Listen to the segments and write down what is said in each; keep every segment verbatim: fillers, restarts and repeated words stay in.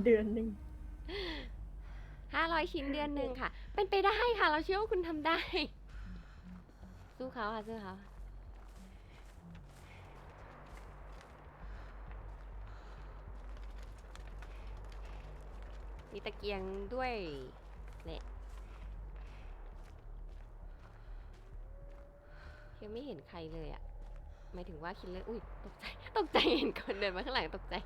เดือนหนึ่งห้าร้อยชิ้นเดือนหนึ่งค่ะ เป็นไปได้ค่ะ เราเชื่อว่าคุณทำได้ สู้เขาค่ะสู้เขามีตะเกียงด้วยแหละยังไม่เห็นใครเลยอะหมายถึงว่าคิดเลยอุ้ยตกใจตกใจเห็นคนเดินมาข้างหลังตกใจ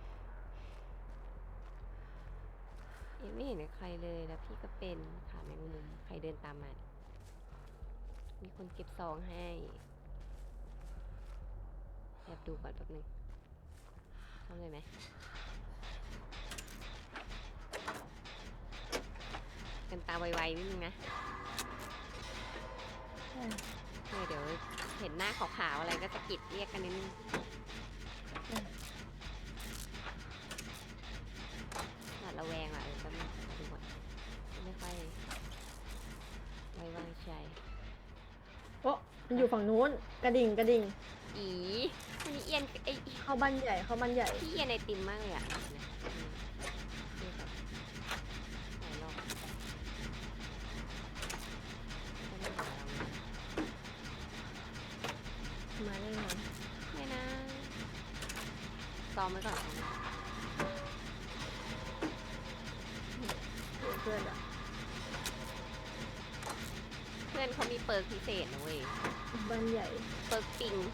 ยังไม่เห็นใครเลยแล้วพี่ก็เป็นขาแมงมุมใครเดินตามมามีคนเก็บซองให้แอบดูก่อนแป๊บนึงทำเลยไหมกันตาไวๆนิดนึงนะเดี๋ยวเห็นหน้าขาวๆอะไรก็จะกิดเรียกกันนิดนึงหวาดระแวงอ่ะเออแป๊บนึงดูก่อนไม่ค่อยไว้วางใจโอ้มันอยู่ฝั่งนู้นกระดิ่งกระดิ่งอีมันเอียนไอเข้าบ้านใหญ่เข้าบ้านใหญ่พี่เอียนไอติมมากเลยอ่ะหลายรอบมาแน่นอนไม่นะซ้อมไว้ก่อนเพื่อนอะเพื่อนเขามีเปิร์กพิเศษนะเว้ยบ้านใหญ่เปิร์กปิง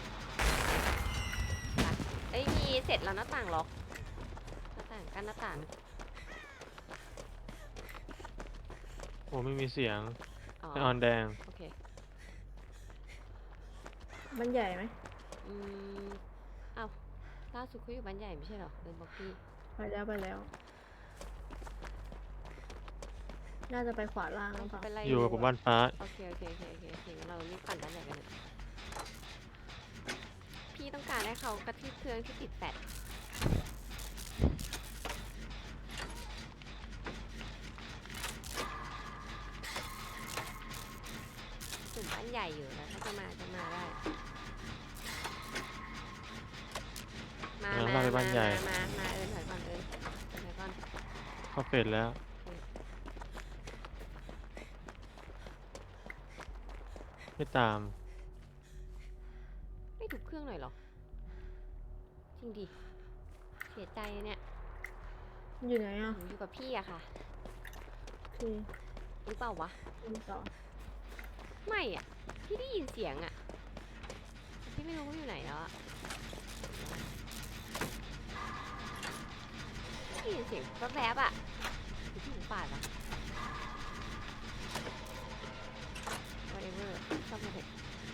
เอ้ยมีเสร็จแล้วหน้าต่างล็อกหน้าต่างกันหน้าต่างโอ้ไม่มีเสียงอ๋อไอออนแดงโอเคบ้านใหญ่ไหมอืมอ้าวล่าสุดเขาอยู่บ้านใหญ่ไม่ใช่หรอเดินบอกพี่ไปแล้วไปแล้วน่าจะไปขวาล่างแล้วค่ะอยู่กับผมบ้านฟ้าโอเคโอเคโอเคโอเคโอเคเรารีบปั่นด้านไหนกันเนี่ยพี่ต้องการให้เขากระทืบเครื่องที่ติดแฟลชกลุ่มบ้านใหญ่อยู่แล้วถ้าจะมาจะมาได้มามามามามามาเอิญถอยก่อนเอิญถอยก่อนเขาเฟดแล้วไม่ตามไม่ถูกเครื่องหน่อยหรอจริงดิเสียใจเนี่ยอยู่ไหนอ่ะอยู่กับพี่อะค่ะคือหรือเปล่าวะต่อไม่อะพี่ได้ยินเสียงอะพี่ไม่รู้ว่าอยู่ไหนแล้วอะได้ยินเสียงแวบๆอะอยู่ที่หมูป่าเหรอ whatever ชอบมาเถอะ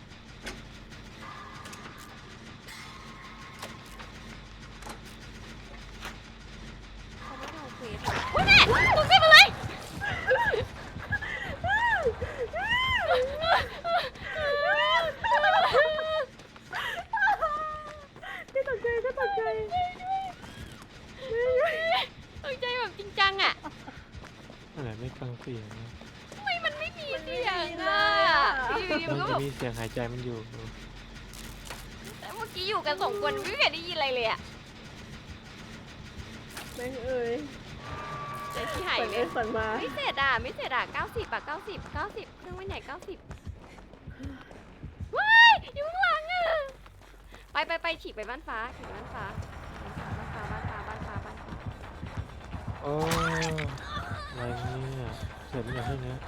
เขาไม่ได้เอาเควสอะโอ๊ยแม่ตกใจมาเลยไม่ตกใจก็ตกใจตกใจแบบจริงจังอะอะไรไม่ฟังเสียงนะทำไมมันไม่มีเสียงอะอยู่ดีมันก็แบบมันจะมีเสียงหายใจมันอยู่แต่เมื่อกี้อยู่กันสองคนไม่เคยได้ยินอะไรเลยอะแม่งเอ้ยใจที่หายฝันเลเอ้ยยฝันมาไม่เสร็จอ่ะไม่เสร็จอ่ะเก้าสิบอ่ะเก้าสิบเก้าสิบเครื่องไม่ไหนเก้าสิบว้ายอยู่ข้างหลังอ่ะไปไปไปฉีกไปบ้านฟ้าฉีกไปบ้านฟ้าบ้านฟ้าบ้านฟ้าบ้านฟ้าบ้านฟ้าโอ้อะไรเนี่ยเสียงมันอย่างนี้นะ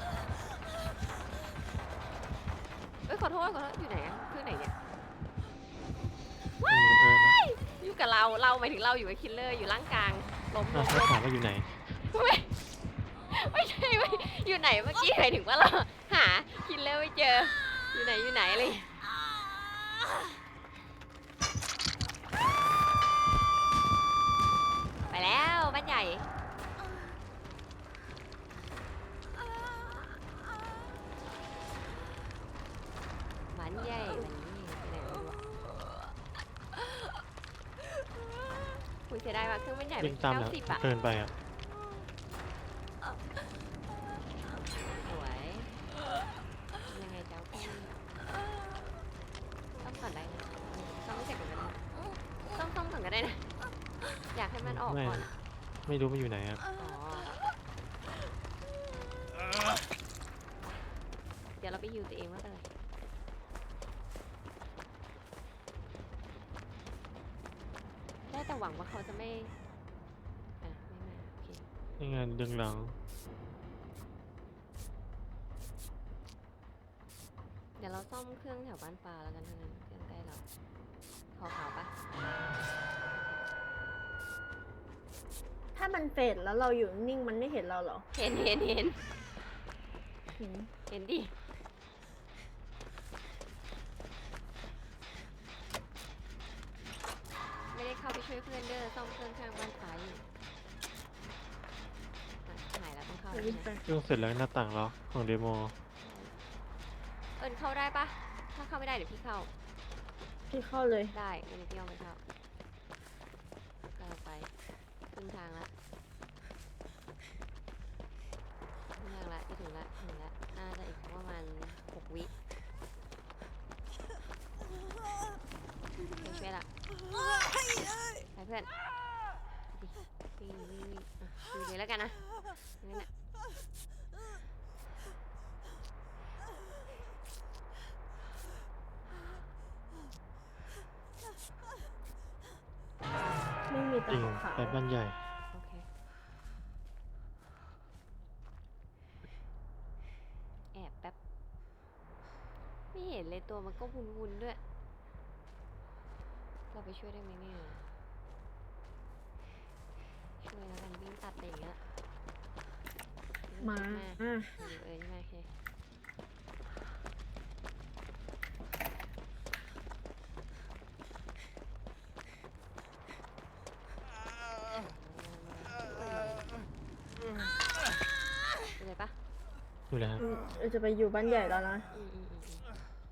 เอ้ยขอโทษขอโทษอยู่ไหนอ่ะเครื่องไหนเนี่ยว้ายอยู่กับเราเราหมายถึงเราอยู่กับคิลเลอร์อยู่ล่างกลางล้มลอ่ะงเขาถามว่าอยู่ไหนไม่ไม่ใช่ไม่อยู่ไหนเมื่อกี้หมายถึงว่าเราหาคิลเลอร์ไม่เจออยู่ไหนอยู่ไหนเลยไปแล้วบ้านใหญ่บ้านใหญ่บ้านใหญ่ไปไหนไม่รู้อะคุยเสียดายว่าเครื่องบ้านใหญ่เป็วิ่นงตามเก้าแล้วสิบอะเกินไปอ่ะสวยยังไงเจ้าพี่ต้องก่อนได้นะต้องไม่เสร็จก่อนก็ได้ต้องต้องก่อนก็ได้นะอยากให้มันออกก่อนอะไม่รู้มันอยู่ไหนอะอ๋อ เดี๋ยวเราไปฮิวตัวเองไม่เป็นไรได้แต่หวังว่าเขาจะไม่ อ่ะ ไม่มา โอเคนี่ไงดึงหลังเดี๋ยวเราซ่อมเครื่องแถวบ้านปลาแล้วกันทั้งนั้นเครื่องใกล้เราขาวขาวๆปะถ้ามันเฟดแล้วเราอยู่นิ่งมันไม่เห็นเราเหรอเห็นเห็นเห็นเห็นเห็นดิ ไม่ได้เข้าไปช่วยเพื่อนเด้อซ่อมเครื่องข้างบ้านฟ้าอยู่อ่ะหายแล้วต้องเข้าเดี๋แล้ยว วใช่วิ่งไหมไปเครื่องเสร็จแล้วหน้าต่างล็อกของเดโมเอิญเข้าได้ปะถ้าเข้าไม่ได้เดี๋ยวพี่เข้าพี่เข้าเลยได้เดี๋ยวพี่เอาไปเข้าก็เราไปครึ่งทางละครึ่งทางละจะถึงละถึงละน่าจะอีกประมาณหกวิไปช่วยละไปเพื่อนวิ่งวิ่งวิ่งอ่ะดูเลยแล้วกันนะนั่นแหละไม่มีจตาริงขาวไปบ้านใหญ่โอเค แอบแป๊บ ไม่เห็นเลยตัวมันก็วุนๆด้วย เราไปช่วยได้ไหมเนี่ย ช่วยแล้วกันวิ่งตัดไปอย่างเงี้ยมาวิ่งอ่ะมาอยู่เออใช่ไหมโอเคไปเลยปะอยู่แล้วอืมเราจะไปอยู่บ้านใหญ่แล้วนะอืมอืมอืมอื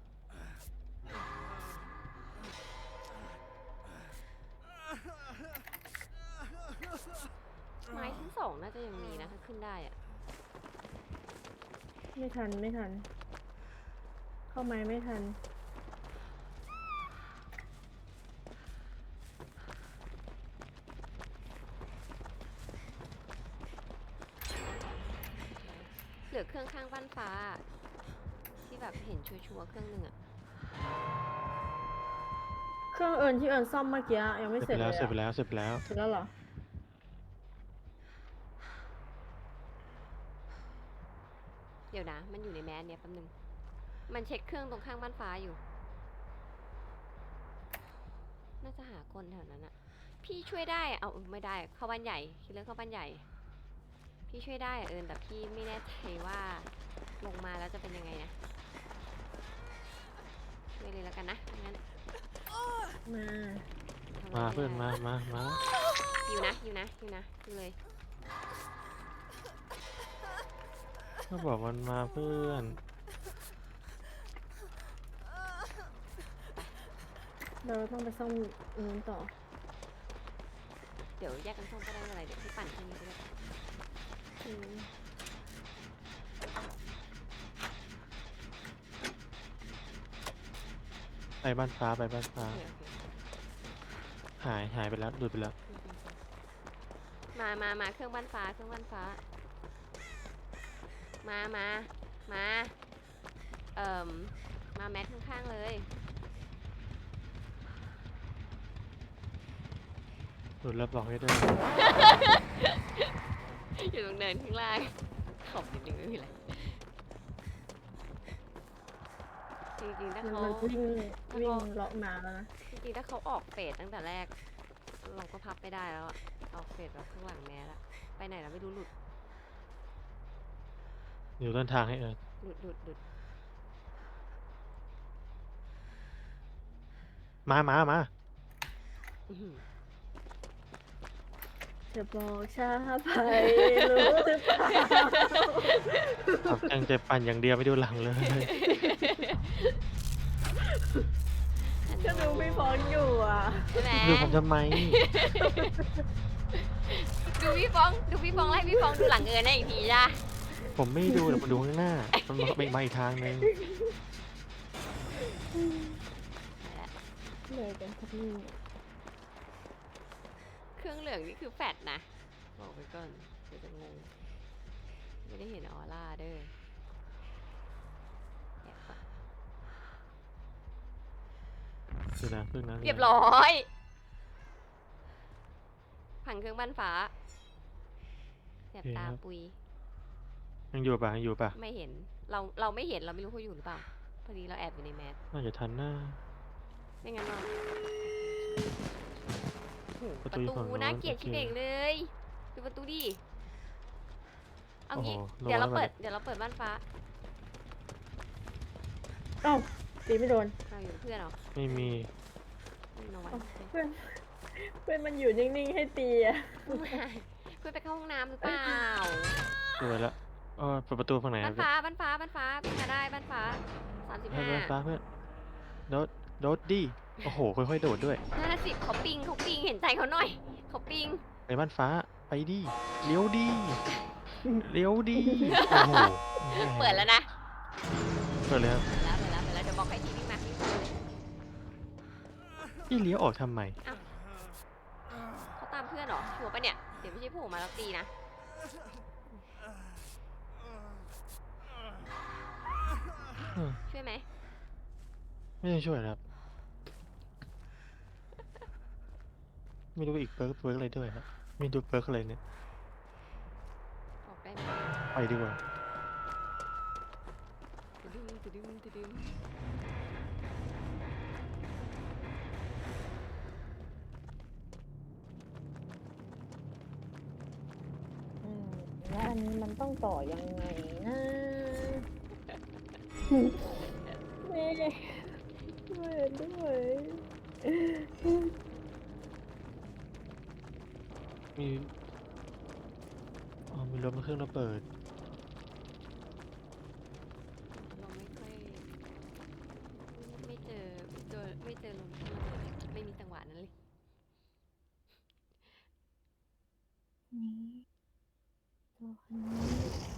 มไม้ชั้นสองน่าจะยังมีนะถ้าขึ้นได้อะไม่ทันไม่ทัน เข้าไม้ไม่ทันเหลือเครื่องข้างบ้านฟ้า ที่แบบเห็นชัวร์ๆเครื่องหนึ่งอะเครื่องเอิญที่เอิญซ่อมเมื่อกี้ยังไม่เสเสร็ร็จจไปเลแล้วยเสร็จไปอะแล้วเสร็จไปแล้วเสร็จแล้วเหรอเดี๋ยวนะ มันอยู่ในแมสเนี่ยแป๊บนึง มันเช็คเครื่องตรงข้างบ้านฟ้าอยู่ น่าจะหาคนแถวนั้นอะพี่ช่วยได้อะเอาไม่ได้ เข้าบ้านใหญ่คิดเรื่องเข้าบ้านใหญ่ พี่ช่วยได้อะเอิญแต่พี่ไม่แน่ใจว่าลงมาแล้วจะเป็นยังไงนะ ช่วยเลยแล้วกันนะงั้นมาทำอะไรมาไได้เพื่อนมามามาอยู่นะอยู่นะอยู่นะอยู่เลยก็บอกมันมาเพื่อนเราต้องไปซ่อมนู้นต่อเดี๋ยวแยกกันซ่อมก็ได้ไม่เป็นไรเดี๋ยวพี่ปั่นเครื่องนี้ไปเลยอืมไปบ้านฟ้าไปบ้านฟ้าโอเคโอเคหายหายไปแล้วหลุดไปแล้วมามามาเครื่องบ้านฟ้า เครื่องบ้านฟ้า มามามา เอ่ม มาแมทข้างๆเลยหลุดแล้วบอกให้ด้วยอยู่ตรงเนินข้างล่างขอบนิดนึงไม่มีอะไร จริงๆถ้ามันเขามันวิ่งวิ่งเลาะมาแล้วนะจริงๆถ้าเขาออกเฟสตั้งแต่แรก เราก็พับไม่ได้แล้วอะออกเฟสแบบข้างหลังแมสอะไปไหนเราไม่รู้หลุดอยู่ต้นทางให้เอิญหลุดหลุดหลุดมามามาอื้อหือจะบอกชาไปรู้หรือเปล่าขับจังใจปั่นอย่างเดียวไม่ดูหลังเลยก็ดูพี่ฟอนอยู่อ่ะใช่ไหมดูผมทำไมดูพี่ฟอง ดูพี่ฟองไล่พี่ฟองดูหลังเอิญได้อีกทีจ้ะผมไม่ดูแต่ผมดูข้างหน้า มันมามาอีกทางนึงเลยกันครับนี่เครื่องเหลืองนี่คือแฟดนะบอกไว้ก่อนเดี๋ยวจะงง ไม่ได้เห็นออร่าเด้อแอบปะคือนะคือนะเรียบร้อยผังเครื่องบ้านฟ้าแสบตาปุยยังอยู่ปะยังอยู่ปะไม่เห็น เรา เราไม่เห็น เราไม่รู้เขาอยู่หรือเปล่า พอดีเราแอบอยู่ในแมสน่าจะทันหน้าไม่งั้นเราโอ้โหปประ ระตูอยู่ฝั่งตูนู้นน่าเกลียดโอเคชิบเองเลยดูประตูดิ เอางี้โอ้โหเดี๋ยวเราระวังเปิดระวังเดี๋ยวเราเปิดบ้านฟ้าเอ้าตีไม่โดนเราอยู่กับเพื่อนเหรอไม่มีไม่นอนเพื่อนเพื่อนมันอยู่นิ่งๆให้ตีอะเพื่อนไปเข้าห้องน้ำหรือเปล่าเปิดละเออเปิดประตูฝั่งไหนบ้านฟ้า บ้านฟ้า บ้านฟ้าพี่มาได้ บ้านฟ้าสามสิบเพื่อนห้าเพื่อนฟ้าเพื่อนโดดโดดดิโอ้โหค่อยๆโดดด้วยห้าสิบเขาปิงเขาปิง เห็นใจเขาหน่อย เขาปิงไปบ้านฟ้าไปดิเลี้ยวดิเลี้ยวดิโอ้โหเปิดแล้วนะเปิดเลยครับเปิดแล้วเปิดแล้วเปิดแล้วเดี๋ยวบอกให้ทีวิ่งมาวิ่งมาเลยพี่เลี้ยวออกทำไมเขาตามเพื่อนเหรอชัวร์ปะเนี่ย เดี๋ยวไม่ใช่โผล่มาแล้วตีนะอืมช่วยไหมไม่ต้องช่วยนะครับ ไม่รู้อีกเปิร์กเปิร์กอะไรด้วยครับไม่ดูเปิร์กอะไรเนี่ยออกได้ไหมไปดีกว่าตึดึงตึดึงตึดึงอืมแล้วอันนี้มันต้องต่อยังไงนะแม่ช่วยด้วยมีอ๋อมีรถมาเครื่องระเบิดเราไม่ค่อยไม่เจอไม่เจอไม่เจอลมที่ระเบิดเลยไม่มีจังหวะนั้นเลยนี่ตัวคนนี้